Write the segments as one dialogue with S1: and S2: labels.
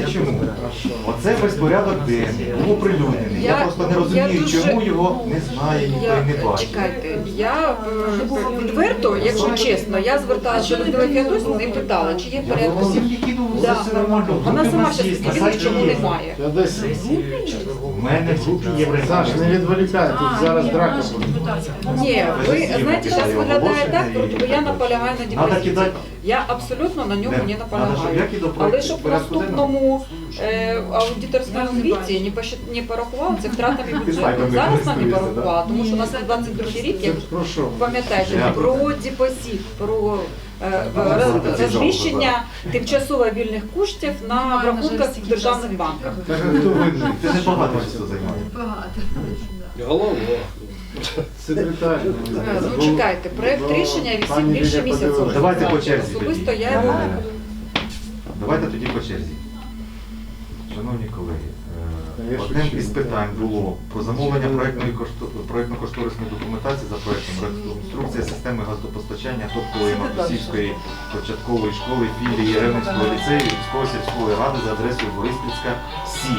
S1: чому. Оце безпорядок денний, був оприлюднений. Я просто не розумію, чому його не знає ніхто і не бачить.
S2: Чекайте, я відверто, якщо чесно, я зверталася до Людмили Феодосівни і питала, чи є в порядку. Вона сама ще сказала, чому немає.
S1: У мене в групі є
S3: Саш, не відволікай, тут зараз драка буде.
S2: Ні, ви знаєте, зараз виглядає так, бо я наполягаю на депозиції. Я абсолютно на ньому не наполягаю. Але щоб в наступному аудиторському звіті не порахували це втратами бюджету. Зараз нам не порахували, тому що у нас на 22 рік, як пам'ятаєте, про депозит, про розміщення тимчасово вільних коштів на рахунках в державних банках.
S1: Ти не багато часу займаєш.
S4: Голова.
S3: Секретар.
S2: Ну чекайте, проєкт рішення висить більше місяця.
S1: Давайте по черзі
S2: Особисто
S1: тоді.
S2: я його...
S1: Давайте тоді по черзі. Шановні колеги, одним із питань було про замовлення проєктно-кошторисної документації за проєктом реконструкція системи газопостачання Топкової Матусівської початкової школи філії Ревненського ліцею Львівської сільської ради за адресою Бориспільська, 7.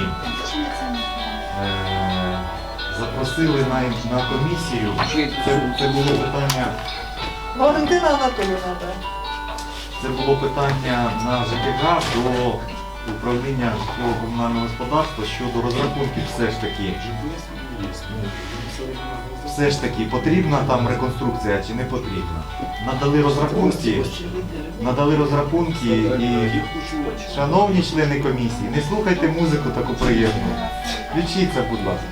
S1: Запросили на комісію, це було питання...
S5: Валентина Анатоліївна, так.
S1: Це було питання на ЖКГ до управління житлово-комунального господарства щодо розрахунків все ж таки потрібна там реконструкція чи не потрібна. Надали розрахунки і, шановні члени комісії, не слухайте музику таку приємну. Включіться, будь ласка.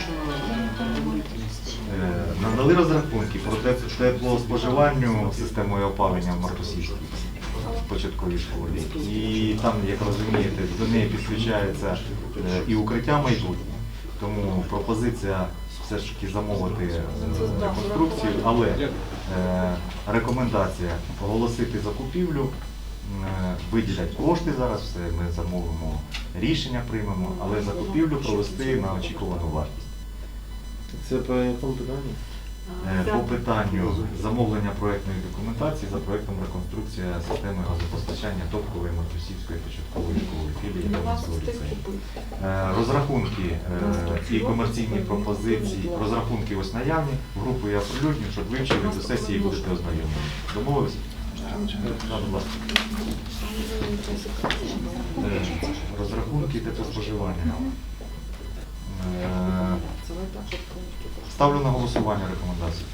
S1: Надали розрахунки про теплоспоживанню системою опалення в Мартусівській початковій школі. І там, як розумієте, до неї підключається і укриття майбутнє. Тому пропозиція все ж таки замовити реконструкцію, але рекомендація оголосити закупівлю, виділять кошти зараз, все ми замовимо, рішення приймемо, але закупівлю провести на очікувану вартість.
S3: Це по якому питанню?
S1: По питанню замовлення проєктної документації за проєктом реконструкція системи газопостачання Топкової Матусівської початкової школи філії Ревненського ліцею. Розрахунки і комерційні пропозиції, розрахунки ось наявні, групу я оприлюдню, щоб вивчили, до сесії будете ознайомлені. Домовилися? Будь ласка. Розрахунки теплоспоживання. Ставлю на голосування рекомендації.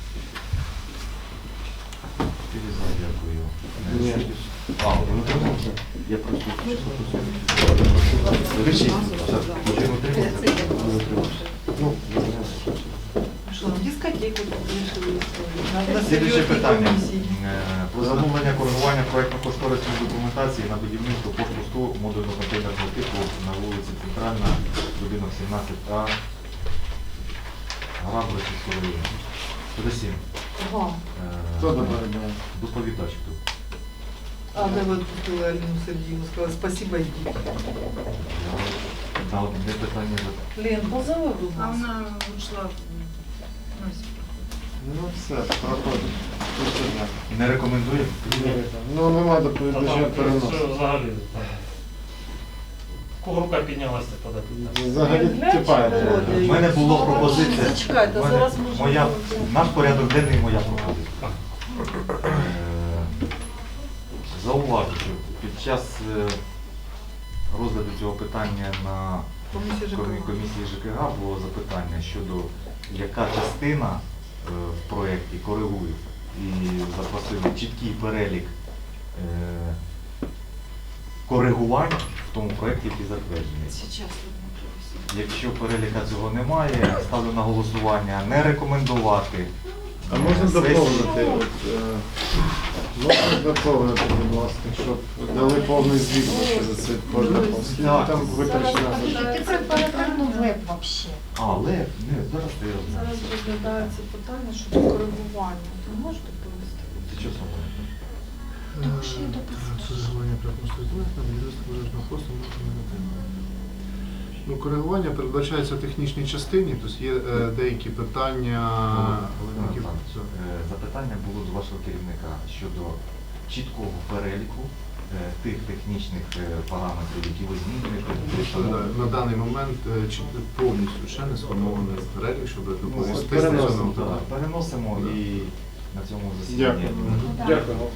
S1: Дякую. Ви утрималися? Я прошу. Вирішіть. Один утримався? Не утримався. Ну,
S5: Що, дискотеку вирішили?
S1: слідуюче питання. Про замовлення коригування проєктно-кошторисної документації на будівництво пошту 100 модульно-контейнерного типу на вулиці Центральна, будинок 17А. Грабли сільської. Подосім.
S5: Хто
S3: доповідає?
S1: Доповідач хто?
S5: А ви відпустили Аліну Сергіївну, сказали, спасибо, йдіть.
S1: На одне питання.
S5: Лен, позови, будь
S6: А
S5: ласка.
S6: вона ушла.
S3: Ну все, проходить.
S1: Не рекомендує?
S3: Ну нема доповідача переносу.
S7: Взагалі. Кого рука піднялася подати?
S3: Взагалі тіпає.
S1: У мене була пропозиція.
S5: Зачекайте, зараз можна...
S1: Наш порядок денний, моя пропозиція. Зауважу, що під час розгляду цього питання на комісії ЖКГ було запитання щодо яка частина в проєкті коригує і запросили чіткий перелік коригувань в тому проєкті, який затверджений. Якщо переліка цього немає, ставлю на голосування не рекомендувати.
S3: А можна доповнити? Можна доповнити, будь ласка, щоб дали повний звіт за це кожна полосна. Там витрачена.
S6: Ти перевернув веб взагалі.
S1: Але, не, зараз ти розумієш.
S6: Зараз розглядається питання щодо коригування. Ти можеш доповісти?
S1: Ти що саме?
S6: Тому що я
S8: Ну, коригування передбачається в технічній частині, тобто є деякі питання.
S1: Запитання було до вашого керівника щодо чіткого переліку тих технічних параметрів, які ви змінюєте.
S8: На даний момент чи повністю ще не сформований перелік, щоб доповісти
S3: переносимо.
S8: стосовно
S1: Так,
S8: того.
S1: переносимо і на цьому засіданні.
S3: Дякую.
S4: Дякую.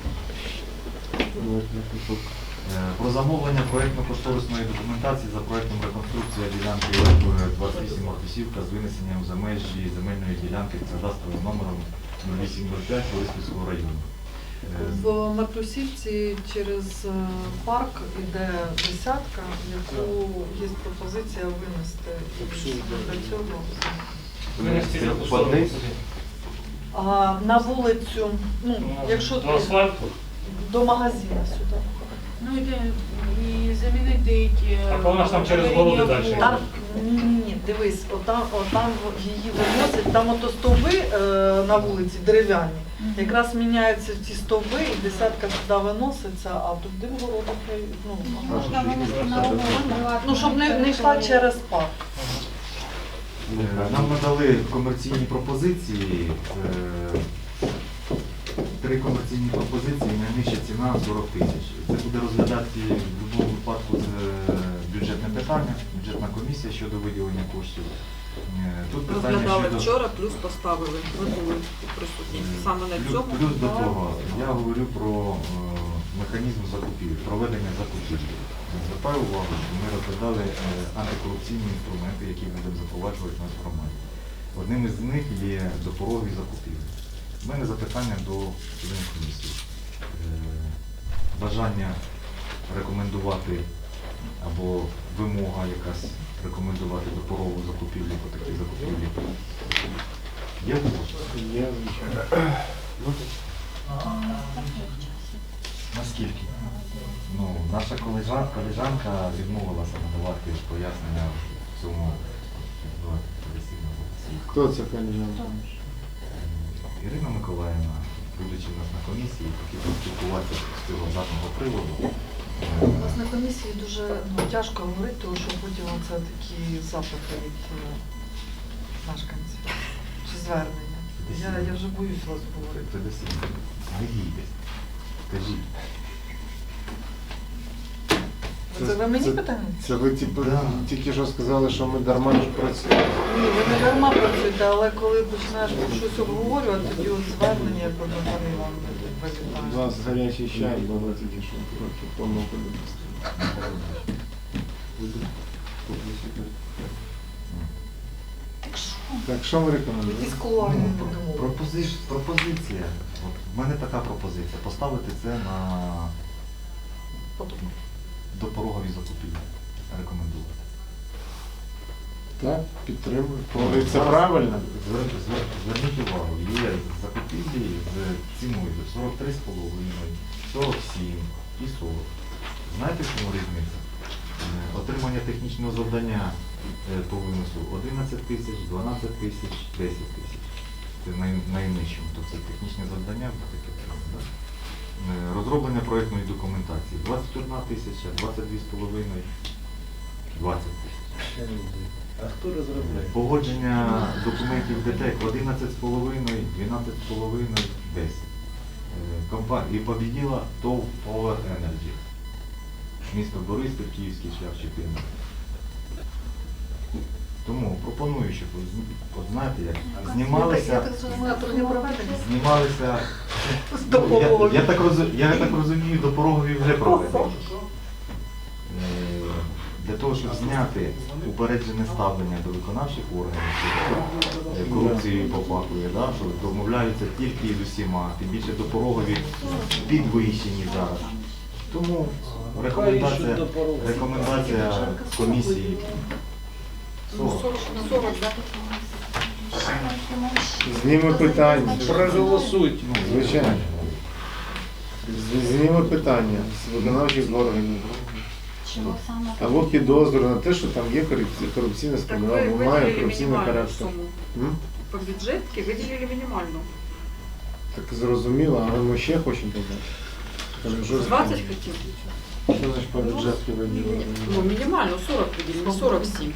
S1: Про замовлення проєктно-кошторисної документації за проєктом реконструкція ділянки 28 Мартисівка з винесенням за межі земельної ділянки з кадастровим номером 0805 Бориспільського району.
S5: В Матрусівці через парк іде десятка, яку є пропозиція винести. І для цього.
S7: Винести
S1: Це
S7: за
S1: по
S7: кустом.
S1: адресі?
S5: А на вулицю, ну, якщо
S7: До асфальту.
S5: до магазину сюди.
S6: Ну і замінити деякі.
S7: А вона ж там через городи далі.
S5: Там, ні, дивись, отам її виносять, там ото стовби на вулиці дерев'яні. Якраз міняються ці стовби і десятка сюди виноситься, а туди в городах,
S6: Можна винести на умову.
S5: ну, щоб не йшла через парк.
S1: Нам надали комерційні пропозиції. 3 комерційні пропозиції, найнижча ціна 40 тисяч. Це буде розглядати в будь-якому випадку бюджетне питання, бюджетна комісія щодо виділення коштів. Тут питання
S2: Розглядали
S1: щодо...
S2: вчора, плюс поставили. Ви були присутні. Саме на цьому.
S1: Плюс до того, я говорю про механізм закупівлі, проведення закупівлі. Звертаю увагу, що ми розглядали антикорупційні інструменти, які будемо запроваджувати в нашій громаді. Одним із них є допорогові закупівлі. У мене запитання до членів комісії. Бажання рекомендувати або вимога якась рекомендувати допорогову закупівлю по такій закупівлі. Є у вас?
S3: Є, звичайно.
S1: Наскільки? Ну, наша колежанка відмовилася надавати пояснення в цьому
S3: Хто це колежанка?
S1: Ірина Миколаївна, будучи в нас на комісії, хотів поспілкуватися з цього даного приводу.
S5: У нас на комісії дуже тяжко говорити, тому що потім це такі запити від мешканців чи звернення. Я вже боюсь вас говорити.
S1: Це десь не їдесь. Кажіть.
S5: Це ви мені питання?
S3: Це ви типу,
S1: Да.
S3: тільки що сказали, що ми дарма ж працюємо.
S5: Ні, ви не дарма працюєте, але коли починаєш щось обговорювати, тоді от звернення, як одна пані вам
S3: У
S5: вилітає.
S3: нас гарячий чай, було тільки що трохи помилку допустили. Так що ви рекомендуєте?
S5: Із кулуарів
S1: Ну, пропозиція. От, в мене така пропозиція. Поставити це на допорогові закупівлі. Рекомендувати.
S3: Так, підтримую. Коли це правильно?
S1: Зверніть увагу, є закупівлі з ціною 43,5, 47 і 40. Знаєте, в чому різниця? Отримання технічного завдання по виносу 11 тисяч, 12 тисяч, 10 тисяч. Це найнижчому, то це технічне завдання, таке да? Розроблення проєктної документації 21 тисяча, 22,5, 20 тисяч.
S4: А хто розробляє?
S1: Погодження документів ДТЕК 11,5, 12,5, 10. І побіділа ТОВ Power Energy. Місто Бориспіль, Київський шлях 14. Тому пропоную, щоб, от знаєте, як знімалися, я так розумію, допорогові вже проведені. Для того, щоб зняти упереджене ставлення до виконавчих органів, що корупцією попахує, да, що домовляються тільки з усіма, тим більше допорогові підвищені зараз. Тому рекомендація комісії 40.
S2: 40, так?
S3: Зніме питання.
S4: Проголосуйте.
S3: Звичайно. Зніме питання з виконавчих органів. Або підозру на те, що там є корупційна
S2: Так
S3: складова,
S2: ви
S3: або має
S2: виділили
S3: корупційний
S2: мінімальну
S3: характер.
S2: суму.
S3: М?
S2: По бюджетці виділили мінімальну.
S3: Так зрозуміло, але ми ще хочемо додати. Кажемо, що
S2: 20 хотів.
S3: Що значить по бюджетки виділили?
S2: Ну, мінімально 40 виділили, 47.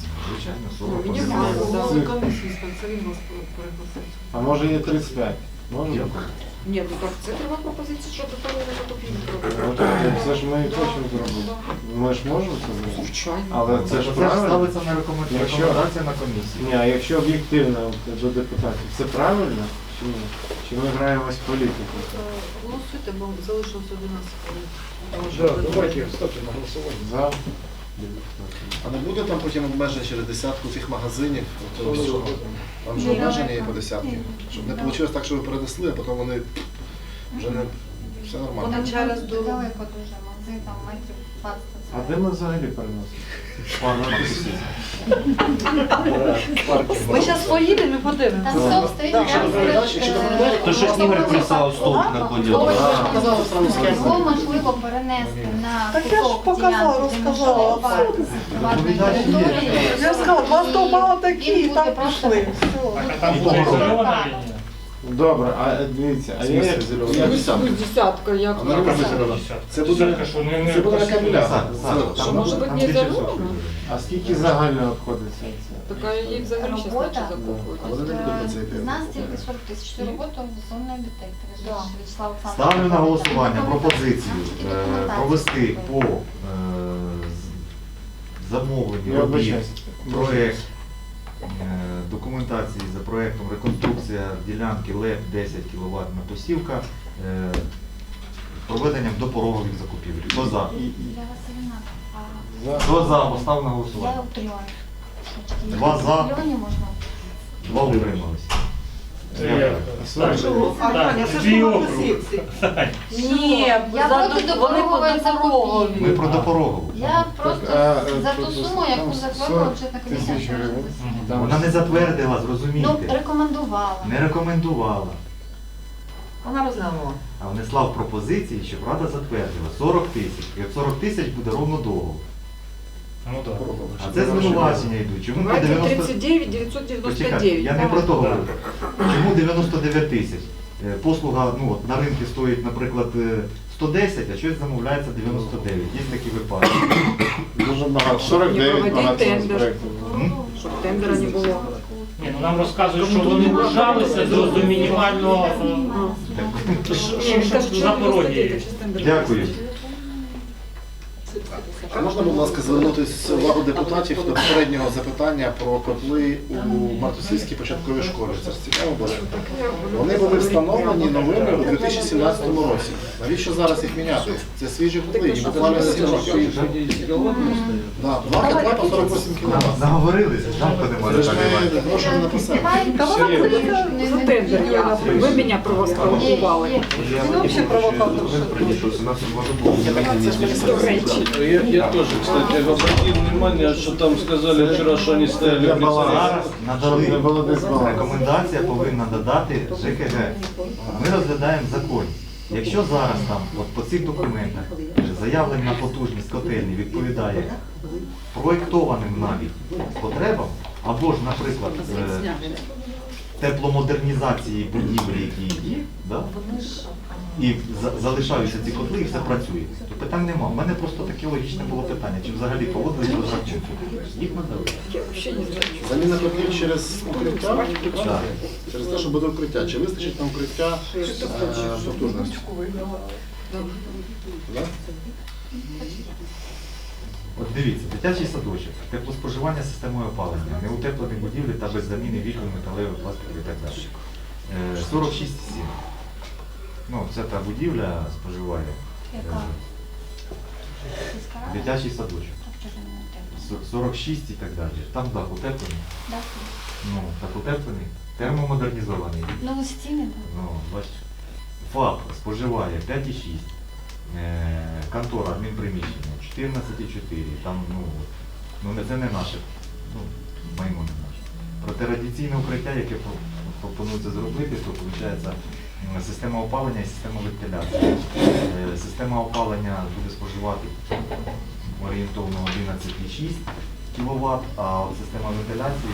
S1: Звичайно,
S2: Ну,
S1: 40.
S2: мінімально,
S5: Голова
S3: Це-
S5: комісії, це він вас пригласив.
S3: А може є 35? Можна?
S2: Ні, ну так, це треба пропозиція щодо того закупівлі.
S3: От, це ж ми і хочемо зробити. Ми ж можемо це зробити?
S2: Звичайно.
S3: Але це ж
S1: Це ж
S3: правильно.
S1: ставиться на
S3: Якщо-
S1: рекомендація на комісії.
S3: Ні, а якщо об'єктивно до депутатів, це правильно? Чи ні? Чи ми граємось в політику?
S5: Голосуйте, бо залишилось 11 хвилин.
S4: Да, давайте ставте на голосування.
S3: За?
S9: А не буде там потім обмеження через десятку цих магазинів? Того всього? Там же обмеження є по десятки. Щоб не вийшло так, що ви перенесли, а потім вони вже не все нормально.
S5: Вони через дорогу.
S6: Далеко дуже магазин, там метрів 20.
S3: А де ми взагалі переносимо?
S5: Ми зараз поїдемо і подивимося.
S6: Там стовп стоїть,
S9: Якщо
S6: прямо
S9: доповідач, якщо доповідач,
S10: То щось Ігор писав, стовп на поділ.
S9: Казали сразу схему.
S6: Його можливо перенести на
S5: Так я ж
S6: кусок
S5: показала,
S6: ділянки, де
S5: розказала.
S6: можливо парк приватної території.
S5: Я сказала, два стовба отакі, і
S6: Він
S5: так
S6: буде просто-
S5: пішли.
S7: Так, а там буде ізольована лінія?
S3: Добре, а дивіться, а я
S2: Десятка, як
S9: А на руках зелена. Це буде
S7: Десятка, що не
S9: це буде на кабеля.
S2: Там може бути не заровно.
S3: А скільки загально обходиться це?
S2: Така її взагалі ще
S6: Робота.
S2: значить закупують.
S9: А вони не будуть на це йти.
S6: З нас тільки 40 тисяч. Цю роботу виконує детектор.
S5: Да.
S6: Вячеслав Олександрович.
S1: Ставлю на голосування пропозицію
S6: Там тільки документація.
S1: провести по замовленню
S3: Я
S1: робіт
S3: вибачаюсь.
S1: проект документації за проектом реконструкція ділянки ЛЕП 10 кВт посівка проведенням допорогових закупівель. Хто за?
S6: Для Василина. А
S1: Хто за? Постав на
S6: я
S1: голосування.
S6: у трьох.
S1: Два за.
S6: В трьоні можна.
S1: Два утрималися.
S7: Це я. Так,
S5: Аня, це ж
S7: дві
S5: по
S7: округи.
S5: позиції. Ні,
S6: Я проти
S5: вони по
S6: допорогової
S5: допорогові.
S1: Ми про допорогову.
S6: Я просто
S3: Так, а,
S6: за ту
S3: тут
S6: суму, яку
S3: там
S6: затвердила
S3: 40
S6: бюджетна комісія.
S3: тисяч
S6: вчора
S3: гривень.
S6: засідала.
S3: Там
S1: Вона не затвердила,
S6: Ну,
S1: зрозумійте.
S6: рекомендувала.
S1: Не рекомендувала.
S5: Вона розглянула.
S1: А внесла в пропозиції, щоб Рада затвердила 40 тисяч. І от 40 тисяч буде ровно договор.
S7: Ну так.
S1: А це звинувачення йдуть. Чому по
S2: Давайте
S1: 90...
S2: 39
S1: Почекайте,
S2: 999.
S1: я не про то говорю. Чому 99 тисяч? Послуга ну, от, на ринку стоїть, наприклад, 110, а щось замовляється 99. Є такі випадки.
S3: дуже багато. 49
S2: проводіть
S3: багато
S2: тендер.
S3: проєктів.
S2: Щоб тендера не було.
S7: Ні, ну нам розказують, що вони вважалися до мінімального
S2: Ні, кажуть, що
S7: Запорожжя.
S1: Дякую.
S9: А можна, будь ласка, звернутися увагу депутатів до попереднього запитання про котли у Мартусівській початковій школі. Це ж цікаво було. Вони були встановлені новими у 2017 році. Навіщо зараз їх міняти? Це свіжі котли, їм буквально 7 років. Да, два котла по 48 кВт.
S1: Наговорилися, жалко немає
S9: Це ж
S1: так
S9: ми гроші не написали.
S2: За тендер я. Ви мене провокували.
S5: Він взагалі провокатор.
S4: Я тоже, кстати, обратил внимание, что там сказали вчера, что они стояли
S1: Зараз
S3: Щоб не було
S1: надали.
S3: дисбалансу.
S1: Рекомендація повинна додати ЖКГ. Ми розглядаємо закон. Якщо зараз там от по цих документах заявлена потужність котельні відповідає проєктованим навіть потребам, або ж, наприклад, тепломодернізації будівлі, які є, да? І залишаються ці котли, і все працює, то питань нема. У мене просто таке логічне було питання, чи взагалі поводились розрахунки. Їх надали.
S2: Я взагалі не знаю.
S9: Заміна котлів через укриття?
S1: Так.
S9: Через те, що буде укриття. Чи вистачить на укриття потужності? Да?
S1: От дивіться, дитячий садочок, теплоспоживання системою опалення, неутеплені будівлі та без заміни вікон, металевих, пластикових і так далі. 46,7. Ну, це та будівля споживає.
S6: Яка?
S1: Дитячий садочок.
S6: Так, чого не те?
S1: 46 і так далі. Там дах утеплений.
S6: Да.
S1: Ну, так утеплений, термомодернізований.
S6: Ну, стіни, так.
S1: Ну, бачиш. ФАП споживає 5,6. Контора, адмінприміщення 14,4. Там, це не наше, майно не наше. Проте радіаційне укриття, яке пропонується зробити, то виходить система опалення і система вентиляції. Система опалення буде споживати орієнтовно 11,6 кВт, а от система вентиляції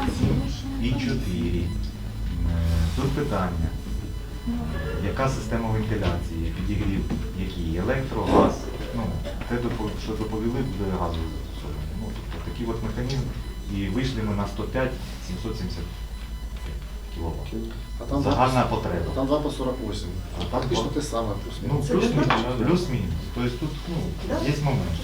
S1: 27,4. Тут питання. Яка система вентиляції, підігрів, який електро, газ, те, що доповіли, буде газове застосовування. Тобто такий от механізм, і вийшли ми на 105 775. кВт.
S9: А там
S1: Загальна потреба.
S9: Там 2 по 48.
S1: А там
S9: Фактично
S1: два.
S9: те саме.
S1: Ну, плюс-мінус. Плюс-мінус. Тобто тут є момент.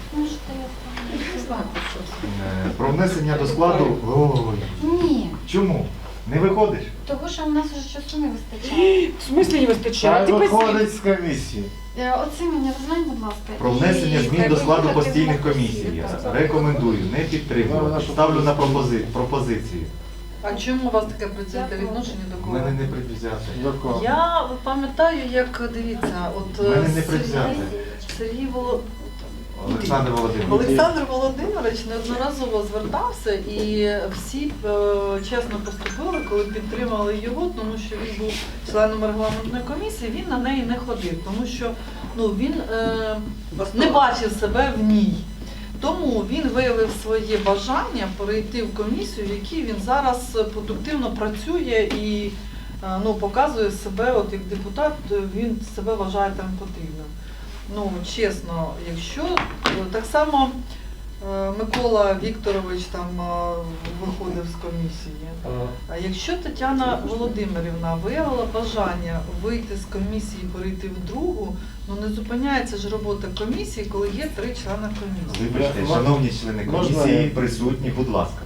S1: Про внесення до складу. Ой.
S11: Ні,
S1: Чому? Не виходиш?
S11: тому що у нас вже часу не вистачає.
S2: В смислі не вистачає?
S3: Хай
S2: Ти
S3: виходить з комісії.
S11: Оце мені розглянь, будь ласка.
S1: Про внесення
S11: І
S1: змін до складу
S11: виїхати
S1: постійних
S11: в
S1: комісій.
S11: Московську.
S1: Рекомендую, не підтримувати. Ставлю на пропозицію.
S5: А чому у вас таке прицільне відношення до
S1: У
S5: кого?
S1: мене не предвзяте.
S3: До кого?
S5: Я пам'ятаю, як дивіться, от
S1: У мене не предвзяте.
S5: Сергій
S1: Олександр Володимирович.
S5: Олександр Володимирович неодноразово звертався і всі чесно поступили, коли підтримали його, тому що він був членом регламентної комісії, він на неї не ходив, тому що він не бачив себе в ній. Тому він виявив своє бажання перейти в комісію, в якій він зараз продуктивно працює і показує себе, от як депутат, він себе вважає там потрібним. Чесно, якщо так само Микола Вікторович там виходив з комісії, а якщо Тетяна Володимирівна виявила бажання вийти з комісії і перейти в другу, не зупиняється ж робота комісії, коли є 3 члени комісії.
S1: Вибачте, шановні члени комісії, присутні, будь ласка.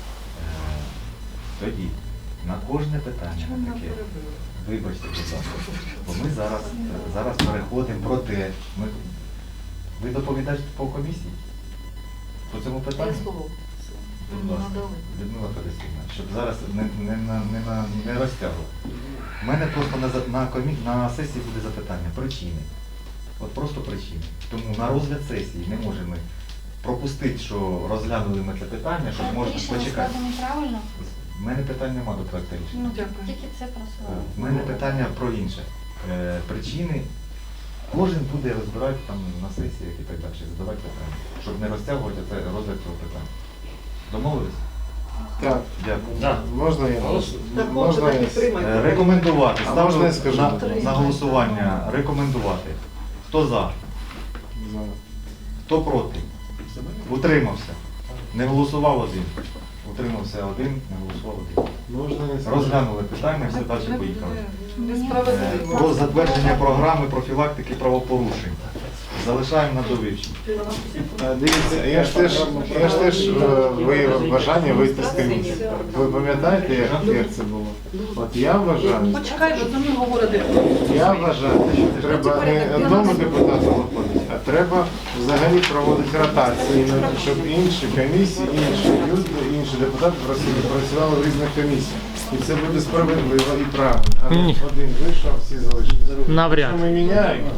S1: Тоді, на кожне питання таке. Вибачте, будь ласка. Бо ми зараз переходимо про те. Ви доповідаєте по комісії? По цьому питанню?
S5: Я слово
S1: Будь ласка, Людмила Федосівна, щоб зараз не розтягувати. У мене просто на сесії буде запитання. Причини. От просто причини. Тому на розгляд сесії не можемо пропустити, що розглянули ми це питання, щоб можна почекати.
S11: Правильно?
S1: У мене питань нема до проекту рішення.
S5: Дякую.
S11: Тільки це просто.
S1: У мене питання про інше. Причини. Кожен буде розбирати там на сесіях і так далі, задавати питання, щоб не розтягувати це розгляд цього питання. Домовились?
S3: Так,
S1: Дякую.
S3: можна я?
S5: Так,
S3: Можна я?
S1: Рекомендувати.
S3: А можна я
S1: Ставлю
S3: скажу?
S1: на голосування. Рекомендувати. Хто за? Хто проти? Утримався. Не голосував один. Утримався один, не голосував один.
S3: Можна я скажу?
S1: Розглянули питання, все далі поїхали.
S5: Несправедливо.
S1: Про затвердження програми профілактики правопорушень. Залишаємо на довивчення.
S3: Дивіться, я ж теж виявив бажання вийти з комісії. Ви пам'ятаєте, як це було? От я вважаю,
S5: Почекай, бо за мною говорити.
S3: я вважаю, що треба не одному депутату виходити, а треба взагалі проводити ротації, щоб інші комісії, інші люди, інші депутати працювали в різних комісіях. І це буде справедливо і правильно. А не один вийшов, всі залишилися.
S7: Навряд.
S3: Що ми міняємо?